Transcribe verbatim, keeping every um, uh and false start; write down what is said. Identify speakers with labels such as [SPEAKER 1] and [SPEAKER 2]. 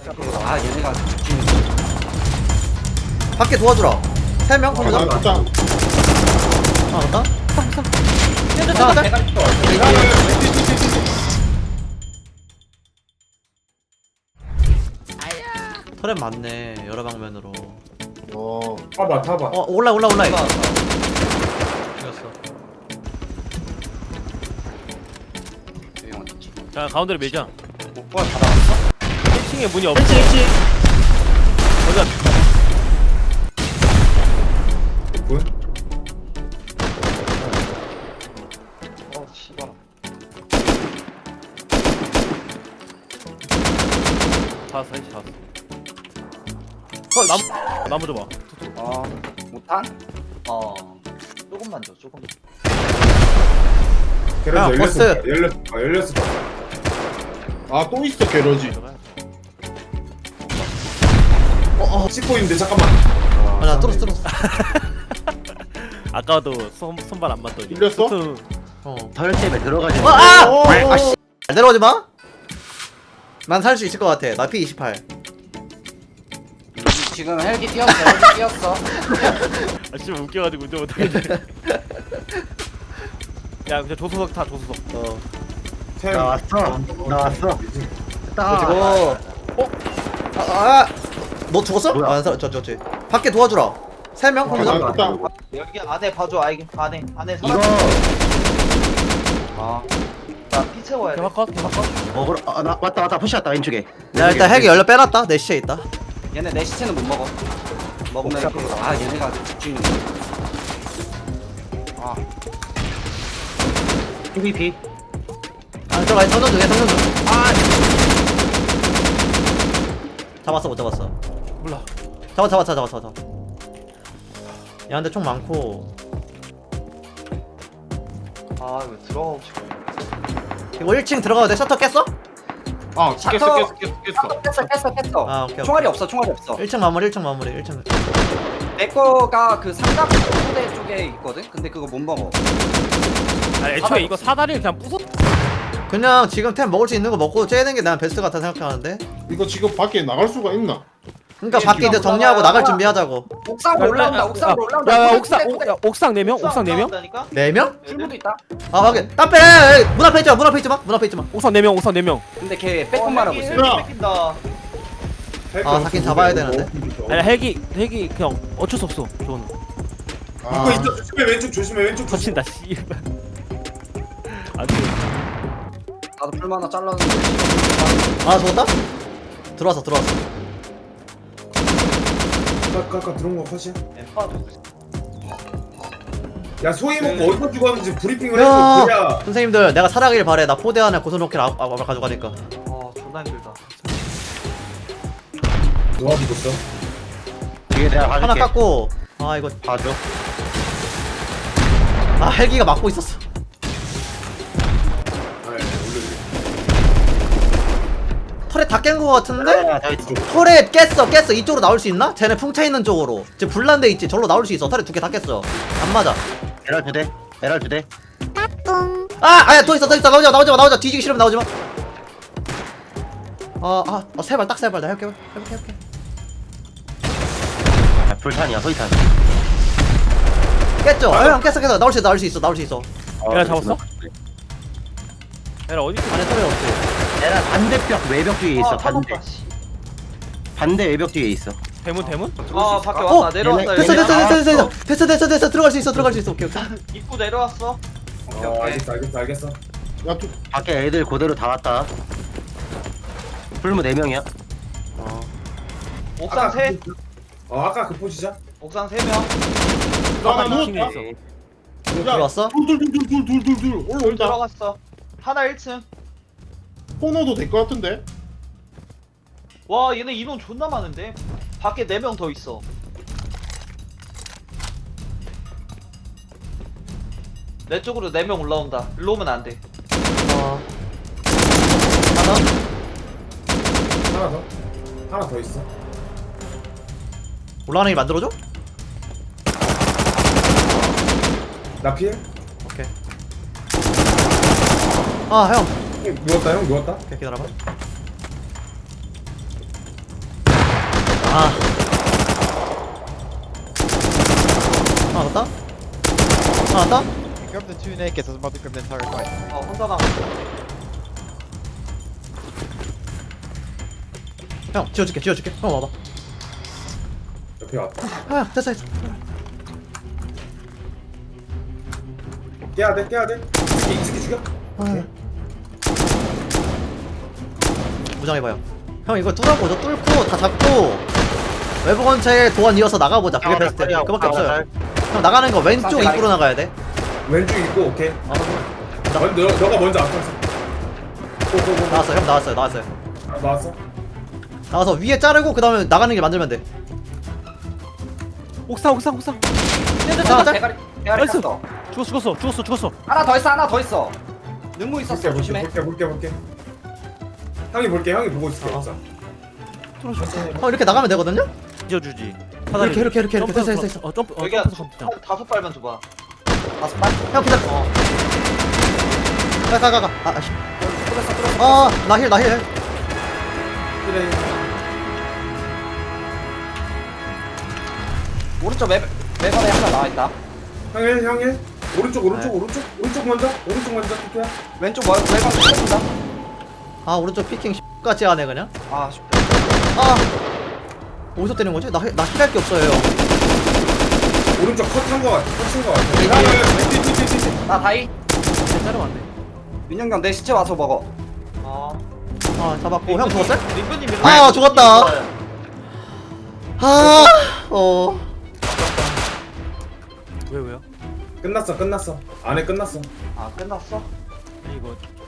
[SPEAKER 1] 아 얘네가
[SPEAKER 2] 밖에 도와주라. 세 명? 한 명?
[SPEAKER 3] 짱.
[SPEAKER 2] 아, 맞다?
[SPEAKER 1] 쟤들
[SPEAKER 2] 아,
[SPEAKER 1] 쟤들 대가리 쳐.
[SPEAKER 2] 터렛 많네, 여러 방면으로.
[SPEAKER 3] 어.
[SPEAKER 4] 타봐 타봐.
[SPEAKER 2] 어, 올라, 올라, 올라.
[SPEAKER 1] 올라왔어.
[SPEAKER 2] 죽였어.
[SPEAKER 1] 여기 어딨지?
[SPEAKER 5] 자 가운데로 밀자.
[SPEAKER 1] 오빠 다 나왔어?
[SPEAKER 5] 일 층에 문이 없어.
[SPEAKER 2] 일치, 일치.
[SPEAKER 5] 거기가
[SPEAKER 4] 군?
[SPEAKER 1] 어 씨발.
[SPEAKER 5] 다 왔어. 다 왔어.
[SPEAKER 2] 어,
[SPEAKER 5] 나무
[SPEAKER 2] 씨.
[SPEAKER 5] 나무 줘봐.
[SPEAKER 1] 어 못한? 어 조금만 줘 조금.
[SPEAKER 4] 게러지
[SPEAKER 2] 야,
[SPEAKER 4] 열렸어.
[SPEAKER 2] 버스.
[SPEAKER 4] 열렸어. 아 열렸어.
[SPEAKER 3] 아, 또 있어, 게러지.
[SPEAKER 2] 어, 어.
[SPEAKER 4] 찍고 있는데 잠깐만.
[SPEAKER 2] 아, 나 뚫었어, 뚫었어.
[SPEAKER 5] 아까도 손 손발 안 맞더니.
[SPEAKER 3] 밀렸어?
[SPEAKER 5] 투.
[SPEAKER 2] 어.
[SPEAKER 6] 털집에 들어가지
[SPEAKER 2] 어, 아!
[SPEAKER 3] 어,
[SPEAKER 2] 아, 씨. 내려오지 마. 난 살 수 있을 것 같아. 나 피 이십팔.
[SPEAKER 1] 지금 헬기 뛰었어 헬기 뛰었어.
[SPEAKER 5] 아 진짜 웃겨가지고 운전 못하겠네. 야 그냥 조수석 타 조수석.
[SPEAKER 2] 어.
[SPEAKER 4] 템.
[SPEAKER 6] 나왔어 나왔어 딱
[SPEAKER 2] 그리고 어? 아, 아, 너 죽었어?
[SPEAKER 6] 뭐야?
[SPEAKER 2] 아, 안 살, 저, 저, 저. 밖에 도와주라. 세 명? 한
[SPEAKER 3] 아,
[SPEAKER 2] 명?
[SPEAKER 3] 일단
[SPEAKER 1] 여기 안에 봐줘 아이 안에 안에
[SPEAKER 6] 이거
[SPEAKER 1] 아나피 채워야 돼.
[SPEAKER 5] 개막컷 개막컷.
[SPEAKER 6] 먹으러 아, 나 왔다 왔다 푸시 왔다 왼쪽에
[SPEAKER 2] 야, 일단 핵이 열려 빼놨다. 내 시체 있다.
[SPEAKER 1] 얘네 내 시체는 못 먹어. 먹으면
[SPEAKER 6] 옥상.
[SPEAKER 1] 그- 아 얘네가 집중이. 아
[SPEAKER 6] 피비피
[SPEAKER 2] 아, 들어가. 성전 중에, 성전 중. 아! 잡았어, 못 잡았어.
[SPEAKER 5] 몰라.
[SPEAKER 2] 잡았, 잡았어, 잡았어, 잡았어. 야, 근데 총 많고.
[SPEAKER 1] 아 이거 들어가고 싶어.
[SPEAKER 2] 이거 일 층 들어가도 돼? 셔터 깼어?
[SPEAKER 3] 아, 깼어,
[SPEAKER 1] 샤터.
[SPEAKER 3] 깼어, 깼어, 깼어.
[SPEAKER 1] 깼어 깼어 깼어.
[SPEAKER 2] 아, 오케이, 오케이.
[SPEAKER 1] 총알이 없어 총알이 없어.
[SPEAKER 2] 일 층 마무리, 일 층 마무리, 일 층.
[SPEAKER 1] 내 거가 그 삼각 소대 쪽에 있거든. 근데 그거 못 먹어.
[SPEAKER 5] 아 애초에 이거 사다리를 그냥 부쉈.
[SPEAKER 2] 그냥 지금 템 먹을 수 있는 거 먹고 째는 게 난 베스트 같아 생각하는데.
[SPEAKER 3] 이거 지금 밖에 나갈 수가 있나?
[SPEAKER 2] 그러니까
[SPEAKER 1] 예,
[SPEAKER 2] 밖에 이제
[SPEAKER 1] 기가
[SPEAKER 2] 정리하고
[SPEAKER 1] 올라가.
[SPEAKER 2] 나갈 준비하자고.
[SPEAKER 1] 옥상으로 올라온다. 옥상으로 올라온다.
[SPEAKER 5] 야, 야
[SPEAKER 1] 그래,
[SPEAKER 5] 옥상
[SPEAKER 1] 그래,
[SPEAKER 5] 옥,
[SPEAKER 1] 그래.
[SPEAKER 5] 야, 옥상 네 명? 옥상 네 명?
[SPEAKER 2] 네 명?
[SPEAKER 1] 출구도 있다.
[SPEAKER 2] 아, 확인. 땀 빼! 문 앞에 있지 마, 문 앞에 있지 마, 문 앞에 있지 마.
[SPEAKER 5] 옥상 네 명 옥상 네 명.
[SPEAKER 1] 근데 걔 빼꼼만 하고 있어.
[SPEAKER 3] 야,
[SPEAKER 2] 아, 사긴 잡아야 되는데.
[SPEAKER 5] 아니 헬기 헬기 그냥 어쩔 수 없어. 저건
[SPEAKER 3] 아,
[SPEAKER 4] 이거 있어. 조심해 왼쪽 조심해 왼쪽 조심.
[SPEAKER 5] 터친다 씨발. 안돼.
[SPEAKER 1] 나도 풀만 하나 잘랐는데.
[SPEAKER 2] 아, 죽었다? 들어왔어, 들어왔어.
[SPEAKER 4] 아까 아까 들어온 거 컷이야?
[SPEAKER 1] 엠파
[SPEAKER 4] 야 소희 먹고 어디서 죽었는지 브리핑을
[SPEAKER 2] 야,
[SPEAKER 4] 해줘. 그래야.
[SPEAKER 2] 선생님들, 내가 살아가길 바래. 나 포대 안에 고소노킬 아, 아, 가져가니까.
[SPEAKER 1] 아 존나 힘들다.
[SPEAKER 4] 누가 죽었어?
[SPEAKER 6] 뒤에 내가
[SPEAKER 2] 하나
[SPEAKER 6] 봐줄게
[SPEAKER 2] 깎고. 아, 이거.
[SPEAKER 6] 봐줘
[SPEAKER 2] 아, 헬기가 막고 있었어.
[SPEAKER 4] 아 예, 올려줘.
[SPEAKER 2] 털에 다 깬 거 같은데?
[SPEAKER 6] 야, 다 있어.
[SPEAKER 2] 털에 깼어, 깼어. 이쪽으로 나올 수 있나? 쟤네 풍차 있는 쪽으로. 지금 불난데 있지. 절로 나올 수 있어. 털에 두 개 다 깼어. 안 맞아.
[SPEAKER 6] 에랄 두대 에랄 두대
[SPEAKER 2] 아, 아야, 더 있어, 더 있어. 나오지 마, 나오지 마, 나오지 마. 뒤지기 싫으면 나오지 마. 아, 아, 아, 세 발, 딱 세 발. 나 해볼게, 해볼게, 해볼게.
[SPEAKER 6] 야, 불탄이야 소이탄
[SPEAKER 2] 깼죠? 아, 형 깼어, 깼어. 나올 수 있어, 나올 수 있어, 나올 수 있어.
[SPEAKER 5] 에라 잡았어? 에라 어디 있어?
[SPEAKER 2] 안에 털에 없지.
[SPEAKER 6] 에랄 반대벽 외벽 뒤에 있어
[SPEAKER 1] 아,
[SPEAKER 6] 반대
[SPEAKER 1] 타봤다, 씨.
[SPEAKER 6] 반대 외벽 뒤에 있어
[SPEAKER 5] 대문 대문?
[SPEAKER 1] 아 밖에
[SPEAKER 2] 어,
[SPEAKER 1] 왔다. 내려왔다.
[SPEAKER 2] 됐어,
[SPEAKER 1] 여기.
[SPEAKER 2] 됐어, 됐어, 됐어,
[SPEAKER 6] 나왔어.
[SPEAKER 2] 됐어, 됐어, 됐어, 됐어. 들어갈 수 있어, 들어갈 수 있어. 오케이, 오케이.
[SPEAKER 1] 입구 내려왔어. 오케이
[SPEAKER 4] 어
[SPEAKER 1] 오케이.
[SPEAKER 4] 알겠어 알겠어 알겠어.
[SPEAKER 3] 야, 또,
[SPEAKER 6] 밖에 애들 그대로 다 왔다 풀무 네 명이야
[SPEAKER 1] 옥상 세.
[SPEAKER 4] 그, 어 아까 그 포지션?
[SPEAKER 1] 옥상 세 명.
[SPEAKER 3] 나, 나
[SPEAKER 5] 킹이
[SPEAKER 3] 누웠다.
[SPEAKER 5] 있어.
[SPEAKER 3] 야,
[SPEAKER 2] 들어왔어?
[SPEAKER 3] 둘, 둘, 둘, 둘, 둘, 둘, 둘.
[SPEAKER 1] 돌
[SPEAKER 3] 올라온다.
[SPEAKER 1] 들어갔어. 하나 일 층.
[SPEAKER 3] 코너도 될 것 같은데?
[SPEAKER 1] 와 얘네 인원 존나 많은데. 밖에 네 명 더 있어. 내 쪽으로 네 명 올라온다. 일로 오면 안 돼.
[SPEAKER 2] 어. 하나?
[SPEAKER 4] 하나 더? 하나 더 있어.
[SPEAKER 2] 올라가는 게 만들어줘?
[SPEAKER 4] 나 피해?
[SPEAKER 2] 오케이. 아, 형.
[SPEAKER 4] 형, 누웠다 형 누웠다.
[SPEAKER 2] 오케이, 기다려봐. 아. 하나 왔다? 하나 왔다?
[SPEAKER 7] Grab the two nakeds, I was about to grab the entire fight.
[SPEAKER 1] 어 혼자 나.
[SPEAKER 2] 형 지워줄게 지워줄게 형 와봐.
[SPEAKER 4] 옆에 왔다.
[SPEAKER 2] 아 됐어 됐어.
[SPEAKER 4] 깨야 돼, 깨야 돼. 이스기 죽여.
[SPEAKER 2] 아. 무장해봐요. 형 이거 뚫어보자. 뚫고 다 잡고 외부 건체에 도안 이어서 나가보자. 그게 베스트. 그밖에 없어요. 형 나가는 거 왼쪽 입구로 나가야 돼.
[SPEAKER 4] 왼쪽 있고, 오케이.
[SPEAKER 2] 어.
[SPEAKER 4] 먼, 너, 너가 먼저 앞서서. 고고고.
[SPEAKER 2] 나왔어 형 나왔어요 나왔어요.
[SPEAKER 4] 아, 나왔어?
[SPEAKER 2] 나와서 위에 자르고 그 다음에 나가는 길 만들면 돼.
[SPEAKER 5] 옥상 옥상 옥상.
[SPEAKER 2] 하나 짤?
[SPEAKER 1] 대가리 대가리
[SPEAKER 5] 나이스.
[SPEAKER 1] 깠어.
[SPEAKER 5] 죽었어 죽었어 죽었어 죽었어.
[SPEAKER 1] 하나 더 있어 하나 더 있어. 능무 있었어
[SPEAKER 4] 볼게, 볼게,
[SPEAKER 1] 조심해.
[SPEAKER 4] 볼게, 볼게, 볼게. 형이 볼게, 형이 보고 있을게.
[SPEAKER 2] 어.
[SPEAKER 4] 옥상.
[SPEAKER 2] 형 이렇게 나가면 되거든요?
[SPEAKER 5] 지어주지.
[SPEAKER 2] 이렇게 이렇게 이렇게 이렇게 됐어 됐어 됐어.
[SPEAKER 5] 어 점프 어
[SPEAKER 1] 여기가
[SPEAKER 5] 점프해서 가면
[SPEAKER 1] 한 다섯 발만 줘봐. 다섯 발?
[SPEAKER 2] 형 기다려.
[SPEAKER 1] 어.
[SPEAKER 2] 가가가가. 아 아씨.
[SPEAKER 1] 뚫었어 뚫었어.
[SPEAKER 2] 아나 힐 나 힐.
[SPEAKER 4] 그래.
[SPEAKER 1] 오른쪽 맵 맵안에 하나 나와 있다.
[SPEAKER 4] 형이, 형이. 오른쪽, 오른쪽,
[SPEAKER 2] 네.
[SPEAKER 4] 오른쪽. 오른쪽 먼저. 오른쪽 먼저. 토끼야.
[SPEAKER 1] 왼쪽 뭐 맵안 뚫었다.
[SPEAKER 2] 아 오른쪽 피킹 같이 하네 그냥.
[SPEAKER 1] 아
[SPEAKER 2] 아 어디서 때리는 거지? 나나 힐할 게 없어요 형.
[SPEAKER 4] 오른쪽 컷한 거 같아. 컷친 거 같아.
[SPEAKER 2] 이-
[SPEAKER 4] 야, 야, 야, 뒤, 뒤, 뒤, 뒤, 뒤.
[SPEAKER 1] 나 다이.
[SPEAKER 5] 자르면
[SPEAKER 1] 민영경 내 시체 와서 먹어. 아.
[SPEAKER 2] 아 잡았고 형 죽었어요?
[SPEAKER 1] 림프님
[SPEAKER 2] 아, 죽었다. 아 어.
[SPEAKER 5] 왜 왜요?
[SPEAKER 4] 끝났어, 끝났어. 안에 끝났어.
[SPEAKER 1] 아 끝났어?
[SPEAKER 5] 아니, 이거